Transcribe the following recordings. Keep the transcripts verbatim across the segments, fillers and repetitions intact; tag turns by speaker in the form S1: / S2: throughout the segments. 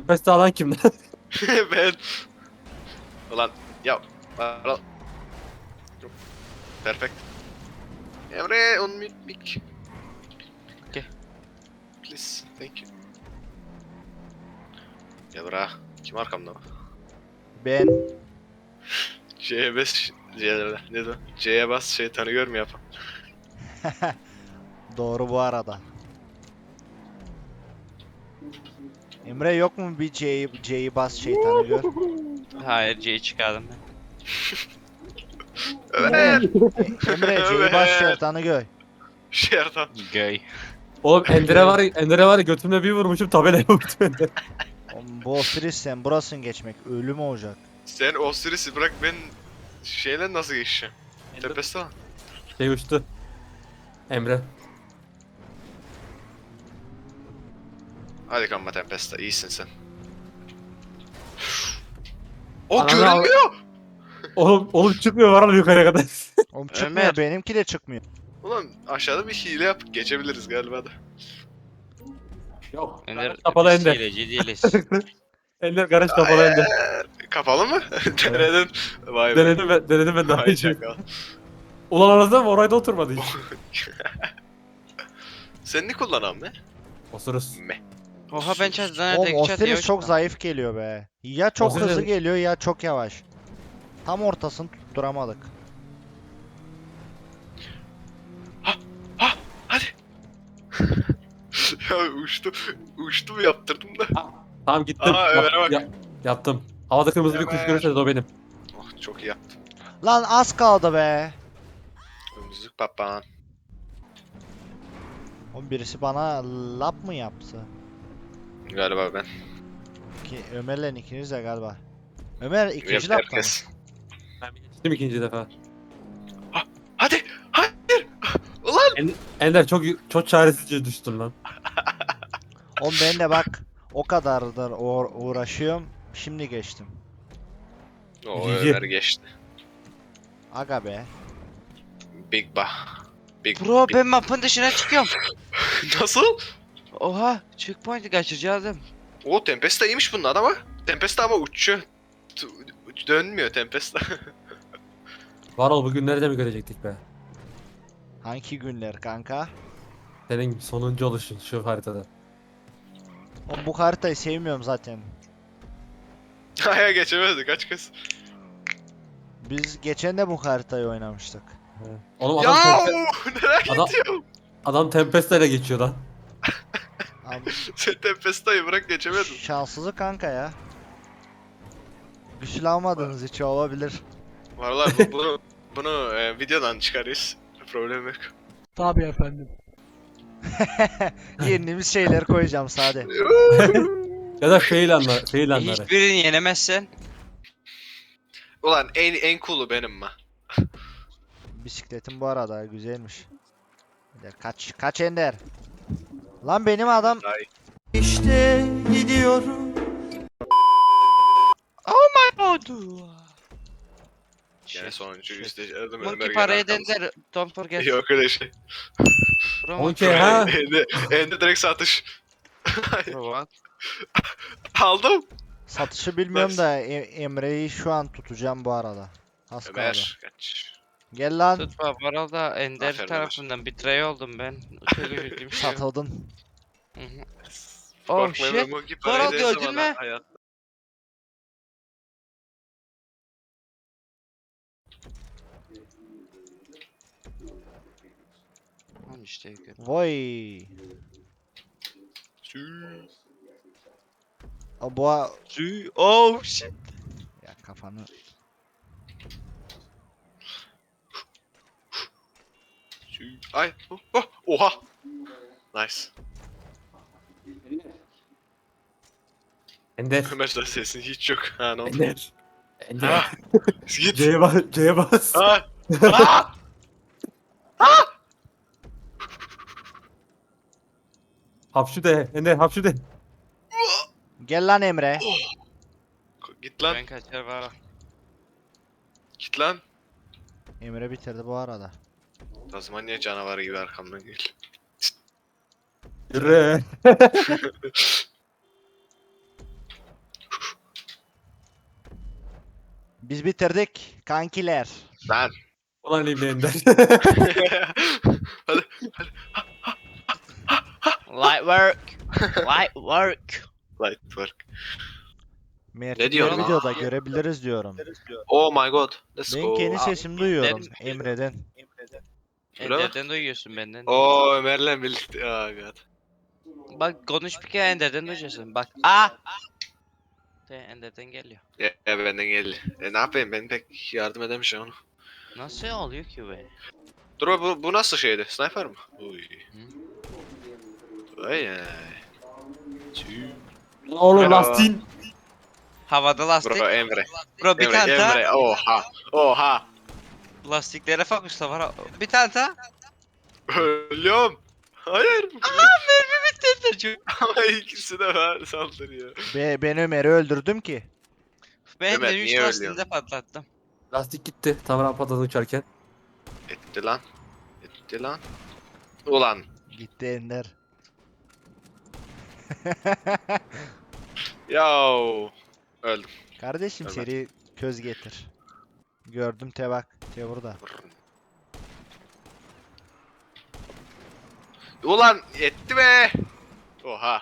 S1: Tempest alan kim lan?
S2: Ben. Ulan ya. Ara... Yok. Perfect. Emre on mute mic.
S3: Okay.
S2: Please. Thank you. Ya bırak. Kim arkamda?
S4: Ben.
S2: C'ye bas. C'ye ne de? C'ye bas şeytanı görmüyor yapam.
S4: Doğru bu arada. Emre yok mu bir C'yi C'yi bas şeytanı gör.
S3: Hayır C'yi çıkardım ben.
S2: Evet.
S4: E, Emre C'yi bas şeytanı gör.
S2: Şeytan.
S3: Göy.
S1: Oğlum Ender'e var ya, Ender'e var ya götümle bir vurmuşum tabelaya vurdum Ender.
S4: Oğlum, bu Osiris sen burasın geçmek ölüm olacak.
S2: Sen Osiris'i bırak ben şeyle nasıl geçeceğim? Tepesi lan.
S1: Şey uçtu. Emre.
S2: Hadi kanma Tempesta iyisin sen. O
S1: Ananı
S2: görünmüyor.
S1: Oğlum, oğlum çıkmıyor var mı yukarıya kadar?
S4: Oğlum çıkmıyor
S3: Ömer.
S4: benimki de çıkmıyor.
S2: Ulan aşağıda bir hile yap geçebiliriz galiba da.
S1: Yok.
S3: Ender
S1: Garaj kapalı
S3: biz
S1: Ender.
S3: hileci değiliz.
S1: Ender garaj kapalı Ender.
S2: Kapalı mı? Denedin. Vay be.
S1: Denedim ben, denedim ben daha
S2: Vay
S1: önce.
S2: çakal.
S1: Ulan anasını mı orayda oturmadı hiç.
S2: Sen ne kullanan be?
S1: Osuruz.
S2: Me.
S3: Oha ben çatıdan
S4: Oğlum
S3: öteki çatıya
S4: Osiris çok
S3: uçtum.
S4: zayıf geliyor be. Ya çok
S1: Osiris-
S4: hızlı geliyor ya çok yavaş. Tam ortasını tutturamadık.
S2: Hadi. Ya uçtu. Uçtu mu yaptırdım da.
S1: Tamam gittim.
S2: Aa,
S1: Yap-
S2: Ömer'e bak.
S1: ya- yaptım. Havada kırmızı bir kuş
S2: Ömer.
S1: görürse de o benim.
S2: Oh çok iyi yaptın.
S4: Lan az kaldı be.
S2: Müzik papağan.
S4: Oğlum birisi bana lap mı yaptı?
S2: Galiba ben.
S4: Ki Ömer'le ikiniz de galiba. Ömer ikinci
S2: Hep
S4: lapta mı?
S2: herkes.
S1: Ben bir geçtim ikinci defa.
S2: Hadi. Hayır. Ulan.
S1: Ender çok çok çaresizce düştün lan.
S4: Oğlum ben de bak o kadardır uğra- uğraşıyorum. Şimdi geçtim.
S2: O
S1: Cici.
S2: Ömer geçti.
S4: Aga be.
S2: Big bah. Big
S3: Bro
S2: big-
S3: ben mapın dışına çıkıyorum.
S2: Nasıl?
S3: Oha checkpoint'i kaçıracaktım.
S2: O Tempesta iyiymiş bunun adama. Tempesta ama uçuyor. T- Dönmüyor Tempesta.
S1: Varol bugün nerede mi görecektik be?
S4: Hangi günler kanka?
S1: Senin sonuncu oluşun şu haritada.
S4: Oğlum bu haritayı sevmiyorum zaten.
S2: Aya geçemezdi kaç kez.
S4: Biz geçen de bu haritayı oynamıştık.
S1: Oğlum
S2: Ya
S1: adam, tempe,
S2: nereye
S1: adam,
S2: gidiyor?
S1: adam Tempest'le geçiyor lan.
S4: Abi,
S2: Sen Tempesta'yı bırak geçemedin.
S4: şanssızı kanka ya. Güçlü almadığınız için olabilir.
S2: Vallahi bu, bunu bunu e, videodan çıkarız. Problem yok.
S5: Tabii efendim.
S4: Yendiğimiz şeyleri koyacağım sade.
S1: Ya da fail anlar, fail anları.
S3: Hiçbirini yenemezsen.
S2: Ulan en en cool'u benim mi?
S4: Bisikletim bu arada güzelmiş. Bir de Kaç kaç Ender. Lan benim adam
S2: Ay.
S4: işte gidiyorum.
S3: Oldu.
S2: Gene sonuncu yüzde aradım
S3: Monkey parayı eder. Don't forget.
S2: Yok öyle şey.
S3: Bro,
S1: Okey ha.
S2: Ende, ende direkt satış.
S3: bro, what?
S2: Aldım.
S4: Satışı bilmiyorum
S2: Nice.
S4: da E- Emre'yi şu an tutacağım bu arada. Az kaldı.
S2: Ömer kaç.
S4: Gel lan.
S3: Tutma bu arada Ender
S2: Aferin
S3: tarafından betray oldum ben. Çok üzüldüm şu an.
S4: Satıldın.
S3: Hı hı. Oh
S2: Korkma
S3: shit.
S2: ben Monkey
S3: Sonra
S2: parayı dersem
S3: gördün
S2: ana
S3: mü?
S2: hayat.
S3: Lan işte gör.
S4: Vay.
S2: Sü-
S4: O boğa
S3: Sü- Oh shit.
S4: ya kafanı.
S2: sü- Ay. Oh, oh, oha. Nice.
S1: Ender.
S2: Ömer sen sesin hiç yok. Ha ne oldu?
S1: Ender. Ender.
S2: Git.
S1: C'ye bas. C'ye bas.
S2: Ha. Ha.
S1: Hapşu de. Ender hapşu de.
S4: Gel lan Emre.
S2: Git lan.
S3: Ben kaçar var.
S2: Git lan.
S4: Emre bitirdi bu arada.
S2: Tazmanya canavarı gibi arkamdan gel.
S1: Yürü.
S4: Biz bitirdik kankiler.
S2: Lan.
S1: Ulan elimde Ender.
S2: Hadi.
S3: Light work. Light work.
S2: Light work.
S4: Mert
S2: Ne diyor
S4: diğer
S2: lan?
S4: videoda görebiliriz diyorum.
S2: Oh my god. Let's
S4: Ben
S2: go.
S4: kendi sesimi duyuyorum
S3: Dedim.
S4: Emre'den.
S2: Öyle mi?
S3: Ender'den duyuyorsun benden.
S2: Oo Ömer'le birlikte. Oh god.
S3: Bak konuş bir kere Ender'den duyacaksın. Bak. Aa. De Ender'den geliyor.
S2: Ya, ya benden geldi. E ne yapayım ben pek yardım edemeyeceğim onu.
S3: Nasıl oluyor ki be?
S2: Dur bu, bu nasıl şeydi? Sniper mı? Uy. Ay ay. Tüy.
S1: Oğlum
S2: Bravo.
S1: lastiğin.
S3: Havada lastik.
S2: Bro Emre.
S3: Bro bir
S2: Emre,
S3: tane daha.
S2: Emre. Oha. Oha.
S3: Lastiklere fokusla var. Bir tane daha.
S2: Ölüyorum. Hayır.
S3: Mermi bitti Ender'cim.
S2: Ama ikisi de var saldırıyor.
S4: Be ben Ömer'i öldürdüm ki.
S3: Ben
S2: Ömer,
S3: de üç
S2: niye
S3: lastiğini de
S2: ölüyorsun?
S3: patlattım.
S1: Lastik gitti. Tamamen patladı uçarken.
S2: Etti lan. Etti lan. Ulan.
S4: Gitti Ender.
S2: Yav. Öldüm.
S4: Kardeşim
S2: Ömer.
S4: seri köz getir. Gördüm te bak. Te burada.
S2: Ulan etti be. Oha.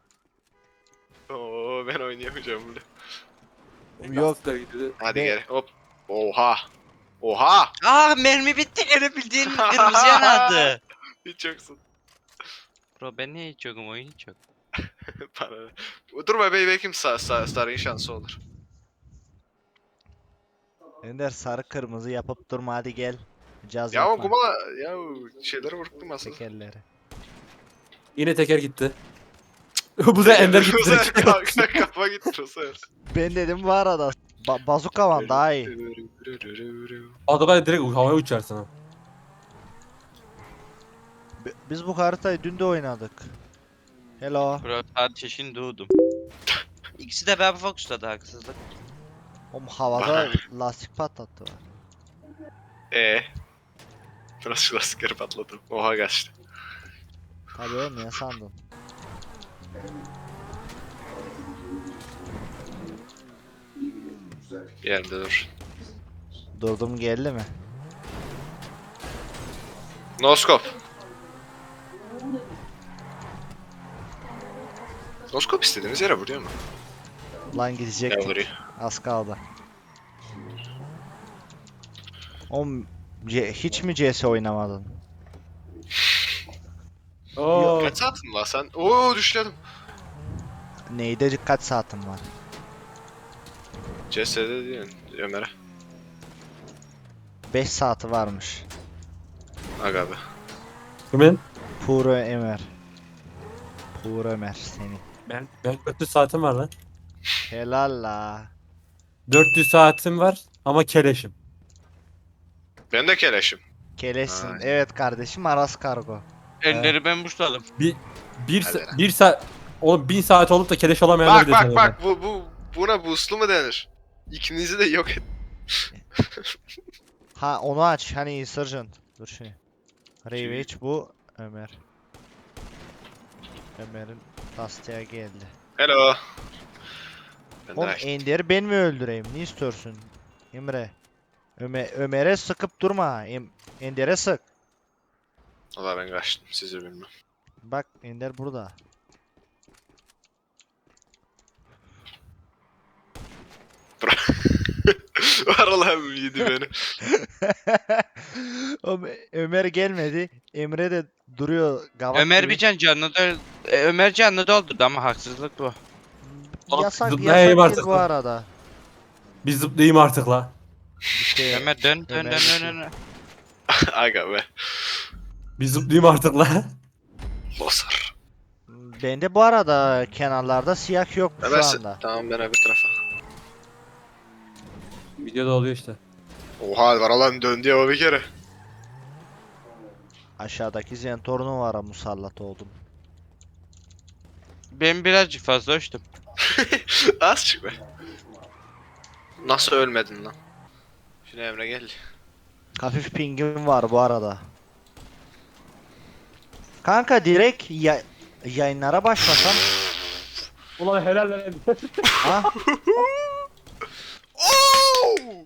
S2: Oo ben oynayamayacağım burada.
S4: Yok.
S1: Lastikler gidiyordu.
S2: Hadi
S4: Be-
S2: gel. Hop. Oha. Oha.
S3: Aa mermi bitti gene bildiğin kırmızı yanadı.
S2: Hiç yoksun.
S3: Bro ben niye hiç yokum oyun hiç yok.
S2: Para. Durma bey belki sa sa sarayın şansı olur.
S4: Ender sarı kırmızı yapıp durma hadi gel. Caz
S2: Ya o
S4: yapma.
S2: kuma ya şeyleri vurdum aslında.
S4: Tekerleri.
S1: Yine teker gitti. Bu da Ender gitti.
S2: Bu sefer
S1: direkt.
S2: kafa- kafa gitti bu sefer.
S4: Ben dedim bu arada. Ba bazuka var daha iyi.
S1: Adamlar direkt havaya uçarsın ha.
S4: Bi- Biz bu haritayı dün de oynadık. Hello.
S3: Bro sadece şimdi doğdum. İkisi de beraber fokusladı haksızlık.
S4: Oğlum havada lastik patlattı var.
S2: Eee. Biraz lastikleri patladım. Oha kaçtı.
S4: Tabii oğlum ne sandın?
S2: Yerde dur.
S4: Durdum geldi mi?
S2: Noskop. Noskop istediğiniz yere vuruyor mu?
S4: Lan
S2: Ya
S4: gidecektik.
S2: vuruyor.
S4: Az kaldı. Oğlum C- hiç mi C S oynamadın?
S1: Oo.
S2: Kaç saatin var sen? Oo düşledim.
S4: Neyde kaç saatin var?
S2: C S'de değil Ömer'e.
S4: beş saati varmış.
S2: Aga be.
S1: Kimin?
S4: Puro Ömer. Puro Ömer seni.
S1: Ben, ben dört yüz saatim var lan.
S4: Helal la.
S1: dört yüz saatim var ama keleşim.
S2: Ben de keleşim.
S4: Keleşsin.
S2: Ay.
S4: Evet kardeşim Aras Kargo.
S3: Ender'i ben buşladım.
S1: Bir, bir,
S2: Hadi
S1: sa-
S2: lan.
S1: bir saat... Oğlum bin saat olup da keleş olamayanlar
S2: Bak
S1: bir de
S2: bak
S1: tanıyorum
S2: bak bu bu buna boostlu mu denir? İkinizi de yok et.
S4: Ha onu aç hani Insurgent. Dur şey. Ravage bu Ömer. Ömer'in lastiğe geldi.
S2: Hello. Ben de
S4: Oğlum
S2: açtım.
S4: Ender'i ben mi öldüreyim? Ne istiyorsun? Emre. Ömer Ömer'e sıkıp durma. Em Ender'e sık.
S2: Valla ben kaçtım sizi bilmem.
S4: Bak Ender burada.
S2: Var Allah'ım yedi beni.
S4: Oğlum, Ömer gelmedi. Emre de duruyor gavat
S3: Ömer
S4: gibi.
S3: bir can canlı da e, Ömer canlı doldurdu ama haksızlık bu.
S4: Yasak
S1: Zıplayayım
S4: yasak
S1: artık
S4: değil bu
S1: lan.
S4: arada.
S1: Bir zıplayayım artık la.
S4: İşte
S3: Ömer dön dön
S4: Ömer
S3: dön
S4: bir
S3: dön.
S4: şey.
S3: dön.
S2: Aga be.
S1: Bir zıplayayım artık la.
S2: Bosar.
S4: bende bu arada kenarlarda siyah yok
S2: Hemen
S4: şu
S2: se-
S4: anda.
S2: Tamam ben öbür tarafa.
S1: Videoda oluyor işte.
S2: Oha var Allah'ım döndü ya o bir kere.
S4: Aşağıdaki Zentorno var musallat oldum.
S3: Ben birazcık fazla uçtum.
S2: Az çık be. Nasıl ölmedin lan? Şimdi Emre gel.
S4: Hafif pingim var bu arada. Kanka direkt ya yayınlara başlasam.
S1: Ulan helal lan.
S4: Ha?
S2: Oo!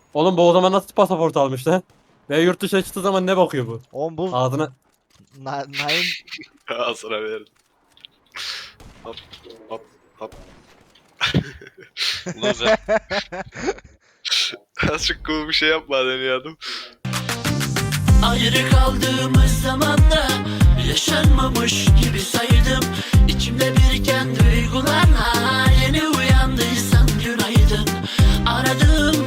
S1: Oğlum bu o zaman nasıl pasaport almış lan? Ve yurt dışına çıktığı zaman ne bakıyor bu?
S4: Oğlum bu
S1: Ağzına...
S4: na, Naim
S2: Al sana verin. Hop hop hop.
S3: Loser.
S2: Azıcık cool bir şey yapma deniyordum.
S5: Ayrı kaldığımız zamanda yaşanmamış gibi saydım. İçimde biriken duygularla yeni uyandıysan günaydın. Aradığım